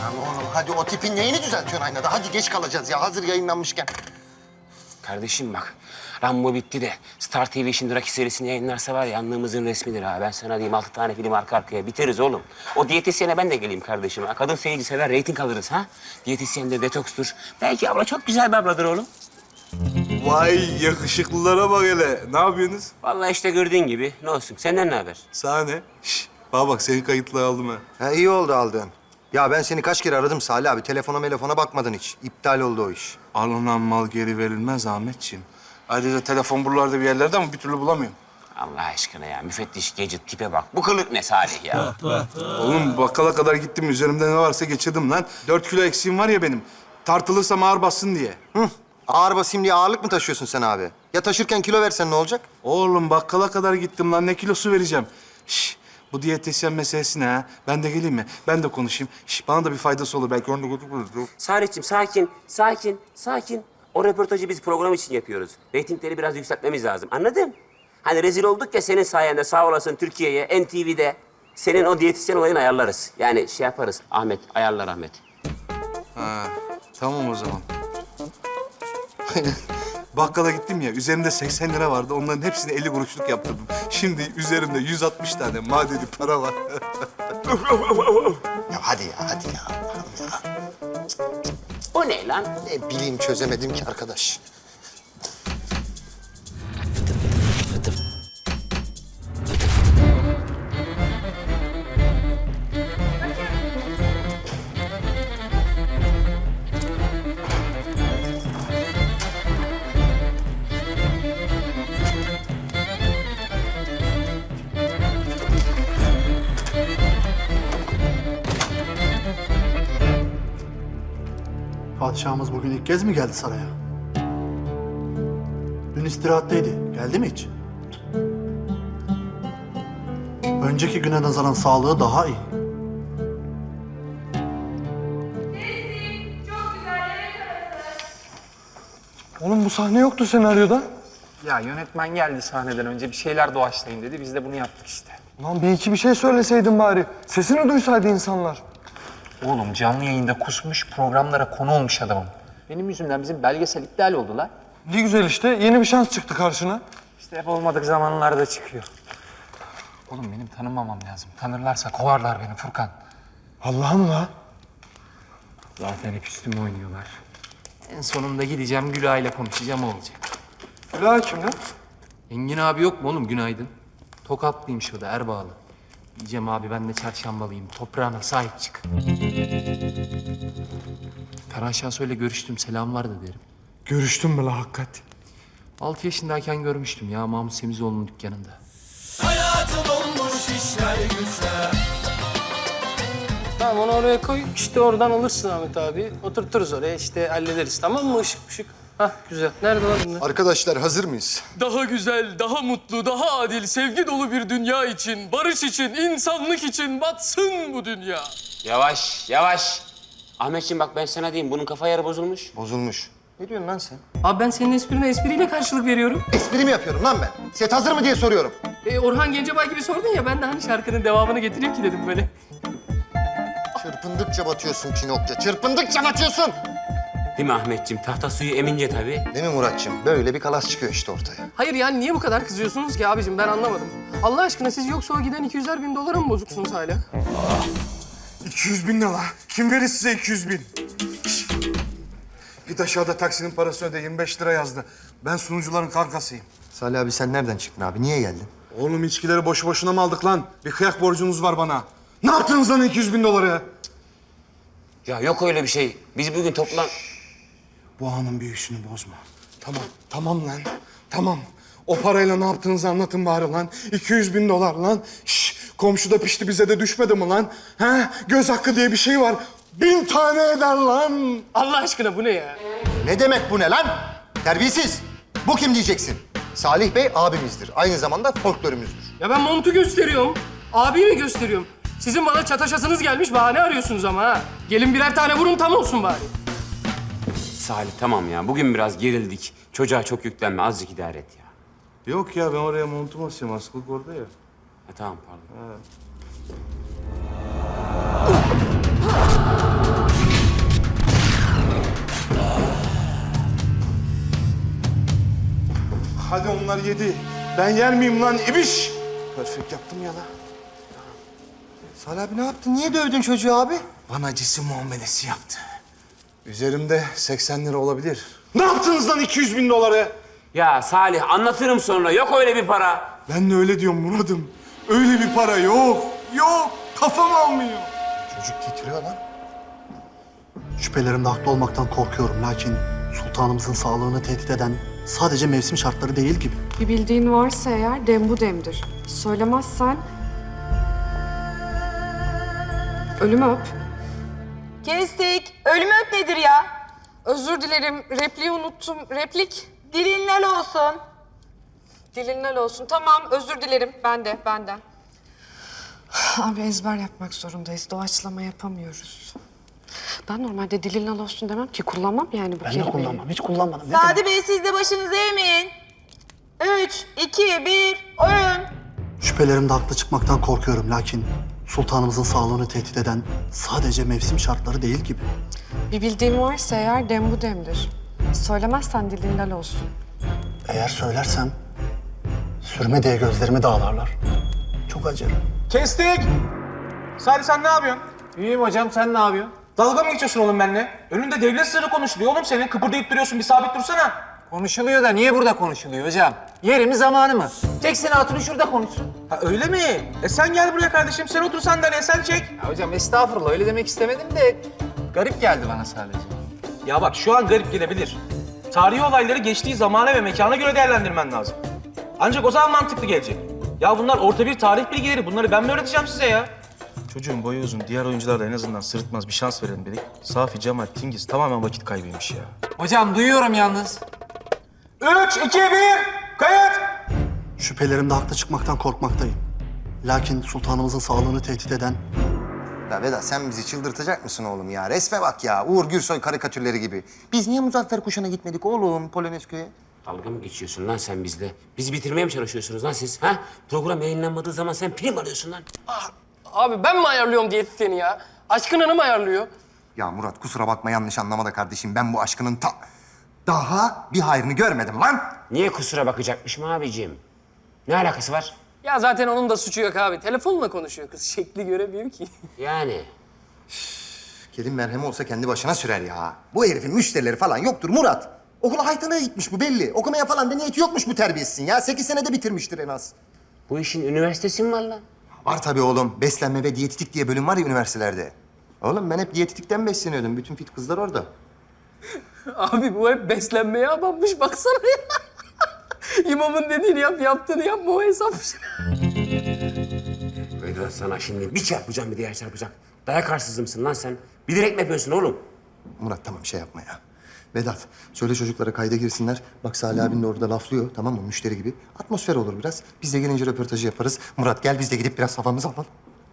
Oğlum hadi o tipin neyini düzeltiyorsun aynada? Hadi geç kalacağız ya hazır yayınlanmışken. Kardeşim bak, Rambo bitti de Star TV şimdi Rocky serisini yayınlarsa var ya anlığımızın resmidir ha. Ben sana diyeyim 6 tane film arka arkaya biteriz oğlum. O diyetisyene ben de geleyim kardeşim ha. Kadın seyirci sever, reyting alırız ha. Diyetisyen de detokstur. Belki abla çok güzel bir abladır oğlum. Vay yakışıklılara bak hele. Ne yapıyorsunuz? Vallahi işte gördüğün gibi. Ne olsun, senden ne haber? Sahne. Şş, bana bak seni kayıtlı aldım ha. Ha, iyi oldu aldığın. Ya ben seni kaç kere aradım Salih abi. Telefona bakmadın hiç. İptal oldu o iş. Alınan mal geri verilmez Ahmetciğim. Ayrıca telefon buralarda bir yerlerde ama bir türlü bulamıyorum. Allah aşkına ya, müfettiş Gecit tipe bak. Bu kılık ne Salih ya? Oğlum bakkala kadar gittim. Üzerimde ne varsa geçirdim lan. 4 kilo eksiğim var ya benim. Tartılırsam ağır bassın diye. Hı. Ağır basayım diye ağırlık mı taşıyorsun sen abi? Ya taşırken kilo versen ne olacak? Oğlum bakkala kadar gittim lan. Ne kilosu vereceğim? Şş, bu diyetisyen meselesi ne ha? Ben de geleyim mi? Ben de konuşayım. Şş, bana da bir faydası olur. Belki onu da götürürüz. Salih'ciğim sakin. O röportajı biz program için yapıyoruz. Reytingleri biraz yükseltmemiz lazım. Anladın? Hani rezil olduk ya senin sayende sağ olasın Türkiye'ye, NTV'de. Senin o diyetisyen olayını ayarlarız. Yani şey yaparız. Ahmet, ayarlar Ahmet. Ha, tamam o zaman. Bakkala gittim ya, üzerimde 80 lira vardı. Onların hepsini 50 kuruşluk yaptırdım. Şimdi üzerimde 160 tane madeni para var. Ya hadi ya. Allah'ım ya. O ne lan? Ne bileyim çözemedim ki arkadaş. Padişahımız bugün ilk kez mi geldi saraya? Dün istirahatteydi. Geldi mi hiç? Önceki güne nazaran sağlığı daha iyi. Oğlum bu sahne yoktu senaryoda. Ya yönetmen geldi sahneden önce bir şeyler doğaçlayın dedi. Biz de bunu yaptık işte. Lan bir iki bir şey söyleseydin bari. Sesini duysaydı insanlar. Oğlum canlı yayında kusmuş, programlara konu olmuş adamım. Benim yüzümden bizim belgesel iptal oldu lan. Ne güzel işte. Yeni bir şans çıktı karşına. İşte hep olmadık zamanlarda çıkıyor. Oğlum benim tanımamam lazım. Tanırlarsa kovarlar beni Furkan. Allah'ım la. Zaten hep üstüme oynuyorlar. En sonunda gideceğim Gülay ile konuşacağım o olacak. Gülay kim lan? Engin abi yok mu oğlum günaydın? Tokatlıymış o da Erbağlı. Diyeceğim abi ben de çarşambalıyım. Toprağına sahip çık. Ferhan Şahsoy'la görüştüm. Selam var da derim. Görüştün mü la hakikat? 6 yaşındayken görmüştüm ya Mahmut Semizoğlu'nun dükkanında. Tamam onu oraya koy. İşte oradan alırsın Ahmet abi. Oturturuz oraya işte hallederiz tamam mı? Işık ışık. Hah güzel. Nerede lan bunlar? Arkadaşlar hazır mıyız? Daha güzel, daha mutlu, daha adil, sevgi dolu bir dünya için, barış için, insanlık için batsın bu dünya. Yavaş. Ahmetciğim bak ben sana diyeyim bunun kafa yarı bozulmuş. Bozulmuş. Ne diyorsun lan sen? Abi ben senin esprine espriyle karşılık veriyorum. Espri mi yapıyorum lan ben? Set hazır mı diye soruyorum. Orhan Gencebay gibi sordun ya ben de hani şarkının devamını getireyim ki dedim böyle. Çırpındıkça batıyorsun Pinokya. Çırpındıkça batıyorsun. Değil mi Ahmetciğim? Tahta suyu emince tabii. Değil mi Muratçım? Böyle bir kalas çıkıyor işte ortaya. Hayır yani niye bu kadar kızıyorsunuz ki abicim ben anlamadım. Allah aşkına siz yoksa o giden 200'er bin dolara mı bozuksunuz hala? 200 bin ne la? Kim verir size 200 bin? Şş. Git aşağıda taksinin parasını öde. 25 lira yazdı. Ben sunucuların kankasıyım. Salih abi sen nereden çıktın abi? Niye geldin? Oğlum içkileri boşu boşuna mı aldık lan? Bir kıyak borcunuz var bana. Ne yaptınız lan 200 bin doları? Ya yok öyle bir şey. Biz bugün toplan... Bu anın büyüsünü bozma. Tamam lan. Tamam. O parayla ne yaptığınızı anlatın bari lan. 200 bin dolar lan. Şş, komşu da pişti bize de düşmedi mi lan? He? Göz hakkı diye bir şey var. 1000 tane eder lan. Allah aşkına bu ne ya? Ne demek bu ne lan? Terbiyesiz. Bu kim diyeceksin? Salih Bey abimizdir. Aynı zamanda folklorumuzdur. Ya ben montu gösteriyorum. Abiyi mi gösteriyorum? Sizin bana çataşasınız gelmiş bahane arıyorsunuz ama ha. Gelin birer tane vurun tam olsun bari. Salih tamam ya. Bugün biraz gerildik. Çocuğa çok yüklenme. Azıcık idare et ya. Yok ya ben oraya montumu asıyorum. Askılık orada ya. Ha, tamam pardon. yedi. Ben yer miyim lan ibiş? Perfect yaptım ya lan. Salih abi ne yaptın? Niye dövdün çocuğu abi? Bana cisim muamelesi yaptı. Üzerimde 80 lira olabilir. Ne yaptınız lan 200 bin doları? Ya Salih anlatırım sonra. Yok öyle bir para. Ben de öyle diyorum Murat'ım. Öyle bir para yok. Yok. Kafam almıyor. Çocuk titriyor lan. Şüphelerimde haklı olmaktan korkuyorum. Lakin sultanımızın sağlığını tehdit eden sadece mevsim şartları değil gibi. Bir bildiğin varsa eğer dem bu demdir. Söylemezsen ölümü öp. Kestik. Ölümü öp nedir ya? Özür dilerim, repliği unuttum. Replik Dilin lal olsun. dilinden olsun. Tamam, özür dilerim. Benden. Abi ezber yapmak zorundayız. Doğaçlama yapamıyoruz. Ben normalde dilinden olsun demem ki. Kullanmam yani bu kelimeyi. Hiç kullanmadım. Sadi Bey siz de başınızı eğmeyin. 3, 2, 1, oyun. Şüphelerimde haklı çıkmaktan korkuyorum. Lakin sultanımızın sağlığını tehdit eden sadece mevsim şartları değil gibi. Bir bildiğin varsa eğer dem bu demdir. Söylemezsen dilinden olsun. Eğer söylersem sürme diye gözlerimi dağlarlar. Çok acır. Kestik. Salih sen ne yapıyorsun? İyiyim hocam, sen ne yapıyorsun? Dalga mı geçiyorsun oğlum benimle? Önünde devlet sırrı konuşuluyor oğlum senin. Kıpırdayıp duruyorsun. Bir sabit dursana. Konuşuluyor da niye burada konuşuluyor hocam? Yeri mi zamanı mı? Çeksin hatunu şurada konuşsun. Ha öyle mi? Sen gel buraya kardeşim. Sen otur sandalyeye sen çek. Ya hocam estağfurullah öyle demek istemedim de garip geldi bana sadece. Ya bak şu an garip gelebilir. Tarihi olayları geçtiği zamana ve mekana göre değerlendirmen lazım. Ancak o zaman mantıklı gelecek. Ya bunlar orta bir tarih bilgileri. Bunları ben mi öğreteceğim size ya? Çocuğun boyu uzun. Diğer oyuncular da en azından sırıtmaz bir şans verelim dedik. Safi, Cemal, Tingiz tamamen vakit kaybıymış ya. Hocam duyuyorum yalnız. 3, 2, 1, kayıt! Şüphelerimde haklı çıkmaktan korkmaktayım. Lakin sultanımızın sağlığını tehdit eden Ya Vedat sen bizi çıldırtacak mısın oğlum ya? Resme bak ya. Uğur Gürsoy karikatürleri gibi. Biz niye Muzaffer Kuşu'na gitmedik oğlum Polonezköy'e? Dalga mı geçiyorsun lan sen bizle? Bizi bitirmeye mi çalışıyorsunuz lan siz? Ha? Program yayınlanmadığı zaman sen prim alıyorsun lan. Abi ben mi ayarlıyorum diyetisyeni ya? Aşkın Hanım ayarlıyor. Ya Murat kusura bakma yanlış anlama da kardeşim. Ben bu aşkının daha bir hayrını görmedim lan. Niye kusura bakacakmışım abiciğim? Ne alakası var? Ya zaten onun da suçu yok abi. Telefonla konuşuyor kız. Şekli göremiyor ki. Yani. Kelin merhemi olsa kendi başına sürer ya. Bu herifin müşterileri falan yoktur Murat. Okula haytanaya gitmiş bu belli. Okumaya falan da niyeti yokmuş bu terbiyesizin ya. 8 senede bitirmiştir en az. Bu işin üniversitesi mi var lan? Var tabii oğlum. Beslenme ve diyetetik diye bölüm var ya üniversitelerde. Oğlum ben hep diyetetikten besleniyordum. Bütün fit kızlar orada. Abi bu hep beslenmeye abanmış baksana ya. İmamın dediğini yap, yaptığını yapma o hesapmış. Vedat sana şimdi bir çarpacağım bir diğer çarpacak. Dayak arsızı lan sen? Bilerek mi yapıyorsun oğlum? Murat tamam şey yapma ya. Vedat söyle çocuklara kayda girsinler. Bak Salih abin de orada laflıyor tamam mı müşteri gibi. Atmosfer olur biraz. Biz de gelince röportajı yaparız. Murat gel biz de gidip biraz havamızı alalım.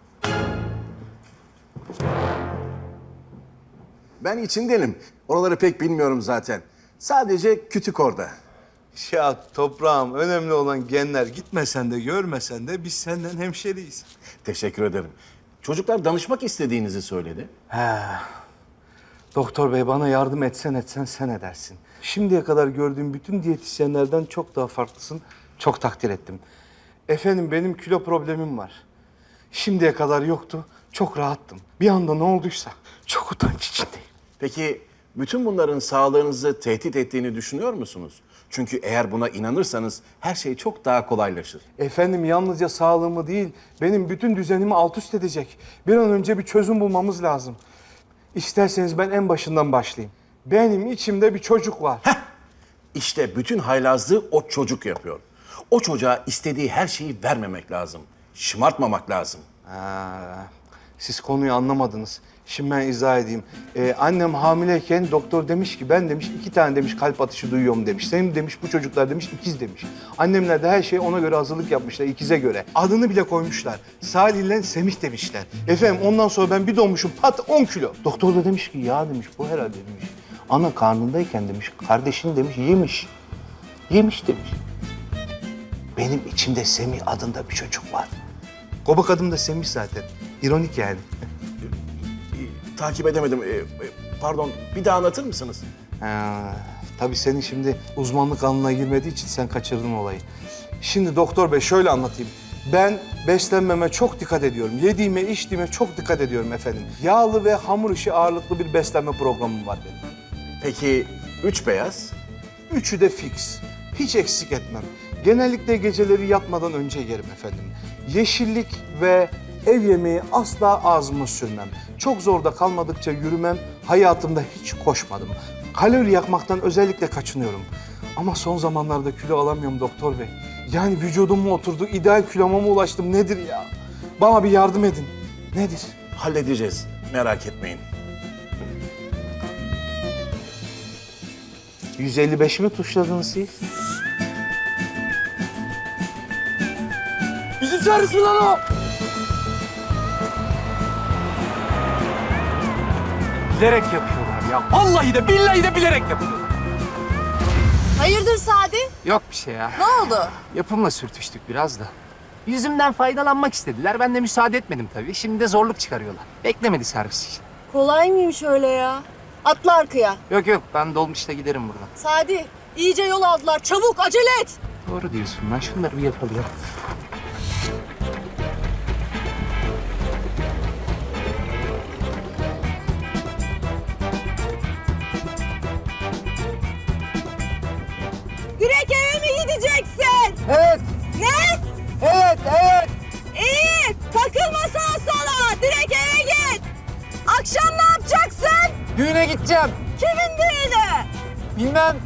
Ben içindenim. Oraları pek bilmiyorum zaten. Sadece kütük orada. Ya toprağım önemli olan genler. Gitmesen de görmesen de biz senden hemşeriyiz. Teşekkür ederim. Çocuklar danışmak istediğinizi söyledi. Doktor bey bana yardım etsen sen edersin. Şimdiye kadar gördüğüm bütün diyetisyenlerden çok daha farklısın. Çok takdir ettim. Efendim benim kilo problemim var. Şimdiye kadar yoktu. Çok rahattım. Bir anda ne olduysa çok utanç içindeyim. Peki bütün bunların sağlığınızı tehdit ettiğini düşünüyor musunuz? Çünkü eğer buna inanırsanız her şey çok daha kolaylaşır. Efendim yalnızca sağlığımı değil, benim bütün düzenimi alt üst edecek. Bir an önce bir çözüm bulmamız lazım. İsterseniz ben en başından başlayayım. Benim içimde bir çocuk var. İşte bütün haylazlığı o çocuk yapıyor. O çocuğa istediği her şeyi vermemek lazım. Şımartmamak lazım. Siz konuyu anlamadınız. Şimdi ben izah edeyim. Annem hamileyken doktor demiş ki ben demiş 2 tane demiş kalp atışı duyuyorum demiş. Senin demiş bu çocuklar demiş ikiz demiş. Annemler de her şeyi ona göre hazırlık yapmışlar ikize göre. Adını bile koymuşlar. Salih ile Semih demişler. Efendim ondan sonra ben bir doğmuşum pat 10 kilo. Doktor da demiş ki ya demiş bu herhalde demiş. Ana karnındayken demiş kardeşin demiş yemiş. Yemiş demiş. Benim içimde Semih adında bir çocuk var. Kobak adım da Semih zaten. İronik yani. Takip edemedim. Pardon, bir daha anlatır mısınız? Tabii senin şimdi uzmanlık alanına girmediği için sen kaçırdın olayı. Şimdi doktor bey şöyle anlatayım. Ben beslenmeme çok dikkat ediyorum. Yediğime, içtiğime çok dikkat ediyorum efendim. Yağlı ve hamur işi ağırlıklı bir beslenme programım var benim. Peki 3 beyaz? Üçü de fix. Hiç eksik etmem. Genellikle geceleri yatmadan önce yerim efendim. Yeşillik ve ev yemeği asla ağzıma sürmem. Çok zorda kalmadıkça yürümem. Hayatımda hiç koşmadım. Kalori yakmaktan özellikle kaçınıyorum. Ama son zamanlarda kilo alamıyorum doktor bey. Yani vücudum mu oturdu, ideal kiloma mı ulaştım nedir ya? Bana bir yardım edin. Nedir? Halledeceğiz. Merak etmeyin. 155 mi tuşladınız siz? Bizi çağırsın lan o. Bilerek yapıyorlar ya. Vallahi de billahi de bilerek yapıyorlar. Hayırdır Sadi? Yok bir şey ya. Ne oldu? Yapımla sürtüştük biraz da. Yüzümden faydalanmak istediler. Ben de müsaade etmedim tabii. Şimdi de zorluk çıkarıyorlar. Beklemedi servis için. Kolay mıymış öyle ya? Atla arkaya. Yok yok ben dolmuşta giderim buradan. Sadi iyice yol aldılar. Çabuk acele et. Doğru diyorsun. Ben şunları bir yapalım ya. Direkt eve mi gideceksin? Evet. Ne? Evet, evet. İyi. Takılma sağa sola. Direkt eve git. Akşam ne yapacaksın? Düğüne gideceğim. Kimin düğünü? Bilmem.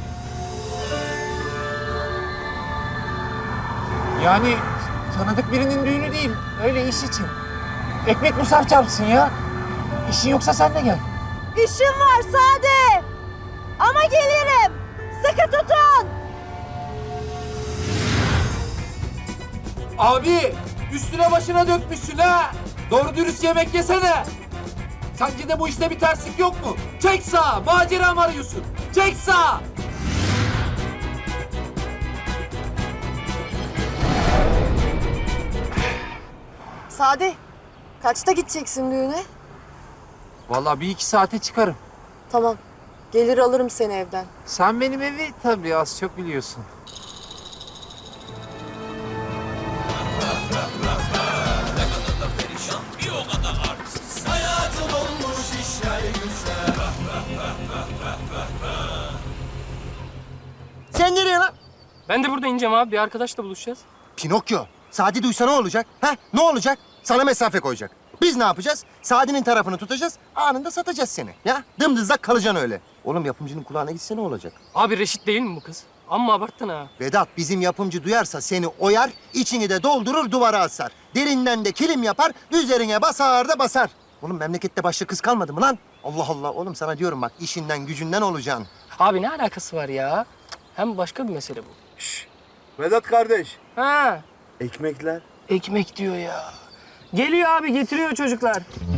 Yani tanıdık birinin düğünü değil. Öyle iş için. Ekmek musaf çarpsın ya. İşin yoksa sen de gel. İşim var Sadi. Ama gelirim. Sıkı tutun. Abi üstüne başına dökmüşsün ha. Doğru dürüst yemek yesene. Sence de bu işte bir terslik yok mu? Çek sağa. Macera mı arıyorsun? Çek sağa. Sadi kaçta gideceksin düğüne? Vallahi bir iki saate çıkarım. Tamam. Gelir alırım seni evden. Sen benim evi tabii az çok biliyorsun. Sen nereye lan? Ben de burada ineceğim abi. Bir arkadaşla buluşacağız. Pinokyo. Sadi duysa ne olacak? Ha? Ne olacak? Sana mesafe koyacak. Biz ne yapacağız? Sadi'nin tarafını tutacağız, anında satacağız seni. Ya dımdızlak kalacaksın öyle. Oğlum yapımcının kulağına gitse ne olacak? Abi Reşit değil mi bu kız? Amma abarttın ha. Vedat bizim yapımcı duyarsa seni oyar, içini de doldurur duvara asar. Derinden de kilim yapar, üzerine basar da basar. Oğlum memlekette başka kız kalmadı mı lan? Allah Allah oğlum sana diyorum bak işinden gücünden olacaksın. Abi ne alakası var ya? Hem başka bir mesele bu. Vedat kardeş, Ha, ekmekler. ekmek diyor ya. Geliyor abi, getiriyor çocuklar.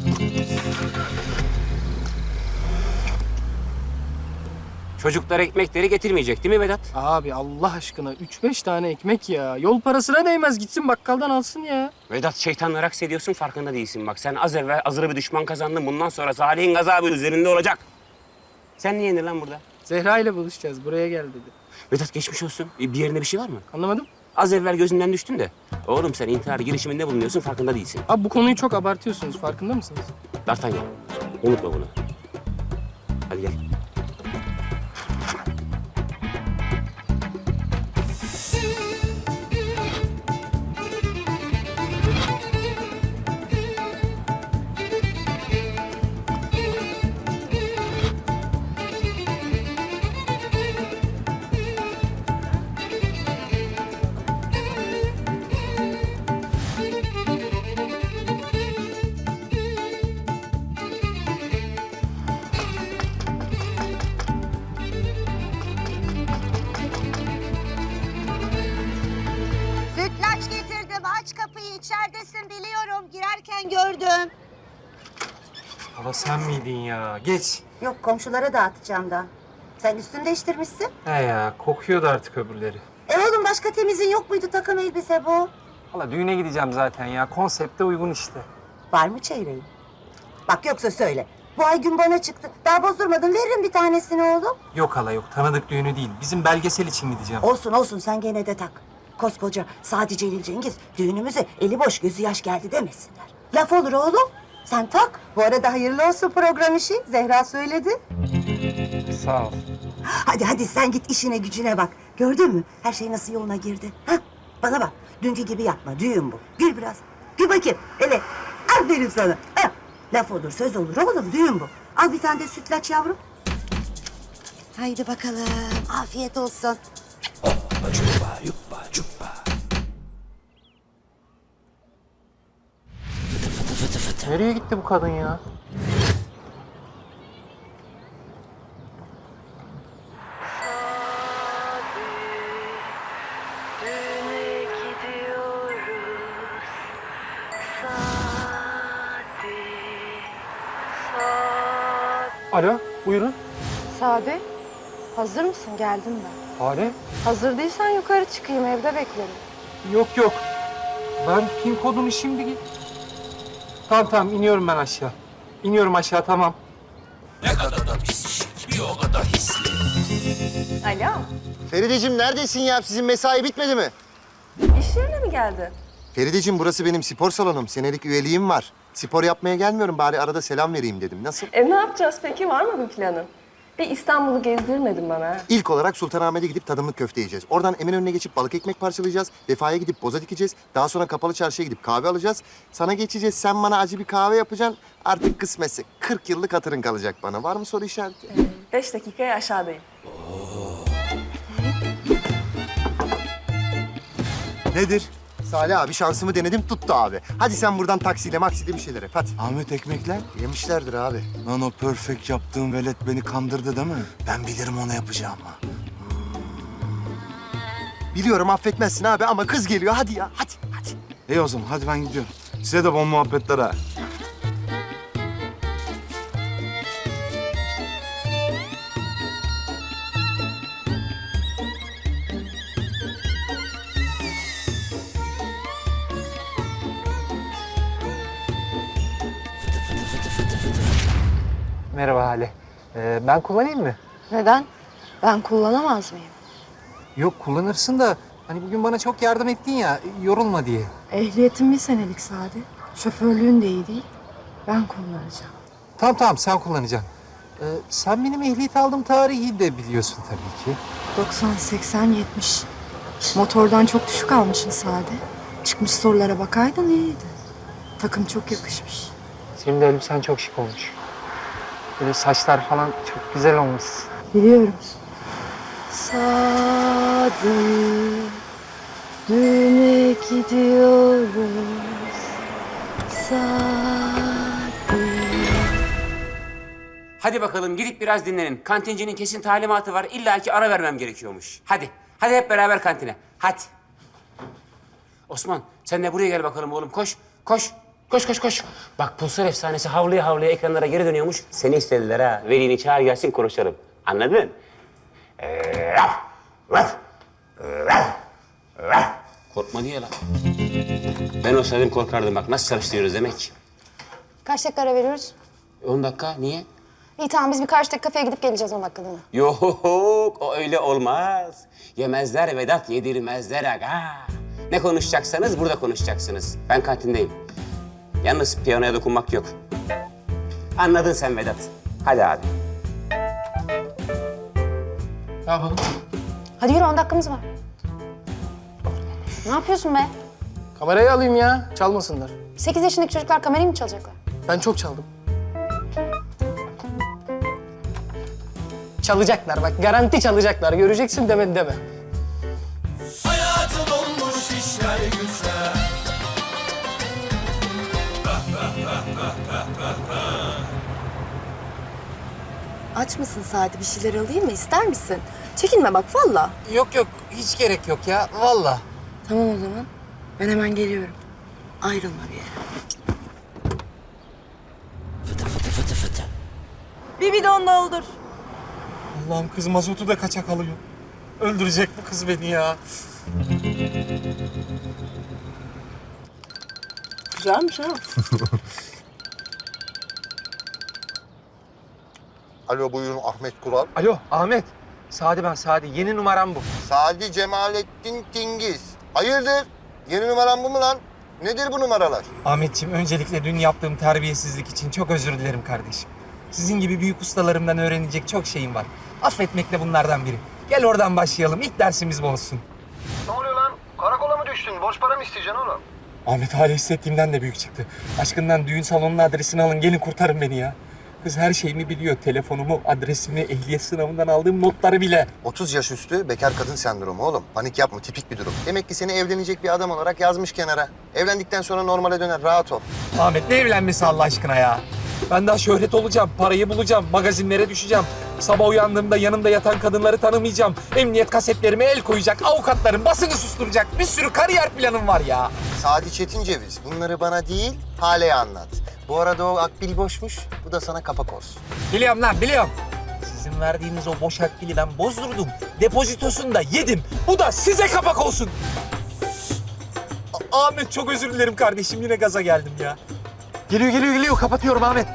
Çocuklar ekmekleri getirmeyecek değil mi Vedat? Abi Allah aşkına 3-5 tane ekmek ya. Yol parasına değmez, gitsin bakkaldan alsın ya. Vedat şeytanla raks ediyorsun farkında değilsin bak. Sen az evvel azılı bir düşman kazandın. Bundan sonra Salih'in gazabı üzerinde olacak. Sen niye indin lan burada? Zehra ile buluşacağız, buraya gel dedi. Vedat geçmiş olsun. Bir yerinde bir şey var mı? Anlamadım. Az evvel gözünden düştün de. Oğlum sen intihar girişiminde bulunuyorsun farkında değilsin. Abi bu konuyu çok abartıyorsunuz, farkında mısınız? D'Artagnan unutma bunu. Hadi gel. Sütlaç getirdim. Aç kapıyı. İçeridesin biliyorum. Girerken gördüm. Hala sen miydin ya? Geç. Yok komşulara dağıtacağım da. Sen üstünü değiştirmişsin. He ya kokuyordu artık öbürleri. Oğlum başka temizin yok muydu takım elbise bu? Hala düğüne gideceğim zaten ya. Konsepte uygun işte. Var mı çeyreği? Bak yoksa söyle. Bu ay gün bana çıktı. Daha bozdurmadım. Veririm bir tanesini oğlum. Yok hala yok. Tanıdık düğünü değil. Bizim belgesel için gideceğim. Olsun olsun sen gene de tak. Koskoca Sadi Celil Cengiz düğünümüze eli boş gözü yaş geldi demesinler. Laf olur oğlum. Sen tak. Bu arada hayırlı olsun program işi. Zehra söyledi. Sağ ol. Hadi sen git işine gücüne bak. Gördün mü? Her şey nasıl yoluna girdi. Ha? Bana bak. Dünkü gibi yapma. Düğün bu. Gül biraz. Gül bakayım. Hele. Aferin sana. Ha? Laf olur, söz olur oğlum. Düğün bu. Al bir tane de sütlaç yavrum. Haydi bakalım. Afiyet olsun. Nereye gitti bu kadın ya? Alo, buyurun. Sade, hazır mısın? Geldim ben. Hale? Hazır değilsen yukarı çıkayım, evde beklerim. Yok. Ben pin kodunu şimdi... Tamam, iniyorum ben aşağı. İniyorum aşağı, tamam. Alo. Ferideciğim neredesin ya? Sizin mesai bitmedi mi? İş yerine mi geldi? Ferideciğim burası benim spor salonum. Senelik üyeliğim var. Spor yapmaya gelmiyorum. Bari arada selam vereyim dedim. Nasıl? Ne yapacağız peki? Var mı bir planın? Bir İstanbul'u gezdirmedin bana. İlk olarak Sultanahmet'e gidip tadımlık köfte yiyeceğiz. Oradan Eminönü'ne geçip balık ekmek parçalayacağız. Vefa'ya gidip boza dikeceğiz. Daha sonra Kapalı Çarşı'ya gidip kahve alacağız. Sana geçeceğiz. Sen bana acı bir kahve yapacaksın. Artık kısmetse 40 yıllık hatırın kalacak bana. Var mı soru işareti? 5 dakikaya aşağıdayım. Nedir? Salih abi şansımı denedim tuttu abi. Hadi sen buradan taksiyle maksiyle bir şeyler yap hadi. Ahmet ekmekler. Yemişlerdir abi. Lan o perfect yaptığın velet beni kandırdı değil mi? Ben bilirim onu yapacağımı. Biliyorum affetmezsin abi ama kız geliyor hadi ya hadi. İyi o zaman hadi ben gidiyorum. Size de bon muhabbetler ha. Merhaba Hale. Ben kullanayım mı? Neden? Ben kullanamaz mıyım? Yok, kullanırsın da hani bugün bana çok yardım ettin ya, yorulma diye. Ehliyetim bir senelik Sade. Şoförlüğün de iyi değil. Ben kullanacağım. Tamam, sen kullanacaksın. Sen benim ehliyet aldığım tarihi de biliyorsun tabii ki. 90, 80, 70. Motordan çok düşük almışsın Sade. Çıkmış sorulara bakaydın iyiydi. Takım çok yakışmış. Senin de elbisen çok şık olmuş. Böyle saçlar falan çok güzel olmuş. Biliyorum. Sade, düğüne gidiyoruz. Sade. Hadi bakalım gidip biraz dinlenin. Kantincinin kesin talimatı var. İlla ki ara vermem gerekiyormuş. Hadi hep beraber kantine. Hadi. Osman sen de buraya gel bakalım oğlum. Koş. Bak Pulsar efsanesi havlaya ekranlara geri dönüyormuş. Seni istediler ha. Velini çağır gelsin konuşalım. Anladın? Korkma diye lan. Ben olsaydım korkardım bak. Nasıl çalıştırıyoruz demek. Kaç dakika ara veriyoruz? 10 dakika niye? İyi tamam biz birkaç dakika kafeye gidip geleceğiz 10 dakikalığına. Yok o öyle olmaz. Yemezler Vedat yedirmezler aga. Ne konuşacaksanız burada konuşacaksınız. Ben kantindeyim. Yalnız piyanoya dokunmak yok. Anladın sen Vedat. Hadi abi. Ne yapalım? Hadi yürü 10 dakikamız var. Ne yapıyorsun be? Kamerayı alayım ya, çalmasınlar. 8 yaşındaki çocuklar kamerayı mı çalacaklar? Ben çok çaldım. Çalacaklar bak, garanti çalacaklar. Göreceksin demedi deme. Hayatım olmuş işler güçler. Aç mısın Sadi? Bir şeyler alayım mı? İster misin? Çekinme bak valla. Yok, hiç gerek yok ya, vallahi. Tamam o zaman. Ben hemen geliyorum. Ayrılma bir yere. Bir bidon doldur. Allah'ım kız mazotu da kaçak alıyor. Öldürecek bu kız beni ya. Güzelmiş ha. Alo buyurun Ahmet Kural. Alo Ahmet. Sadi ben Sadi. Yeni numaram bu. Sadi Cemalettin Tingiz. Hayırdır? Yeni numaran bu mu lan? Nedir bu numaralar? Ahmetciğim öncelikle dün yaptığım terbiyesizlik için çok özür dilerim kardeşim. Sizin gibi büyük ustalarımdan öğrenecek çok şeyim var. Affetmek de bunlardan biri. Gel oradan başlayalım. İlk dersimiz bu olsun. Ne oluyor lan? Karakola mı düştün? Borç para mı isteyeceksin oğlum? Ahmet hali hissettiğimden de büyük çıktı. Aşkından düğün salonunun adresini alın. Gelin kurtarın beni ya. Kız her şeyimi biliyor. Telefonumu, adresimi, ehliyet sınavından aldığım notları bile. 30 yaş üstü bekar kadın sendromu oğlum. Panik yapma, tipik bir durum. Demek ki seni evlenecek bir adam olarak yazmış kenara. Evlendikten sonra normale döner, rahat ol. Ahmet ne evlenmesi Allah aşkına ya? Ben daha şöhret olacağım, parayı bulacağım, magazinlere düşeceğim. Sabah uyandığımda yanımda yatan kadınları tanımayacağım. Emniyet kasetlerime el koyacak, avukatların basını susturacak. Bir sürü kariyer planım var ya. Sadi Çetinceviz, bunları bana değil, Hale'ye anlat. Bu arada o akbil boşmuş, bu da sana kapak olsun. Biliyorum lan, biliyorum. Sizin verdiğiniz o boş akbili ben bozdurdum. Depozitosunu da yedim. Bu da size kapak olsun. Ahmet çok özür dilerim kardeşim. Yine gaza geldim ya. Geliyor. Kapatıyorum Ahmet.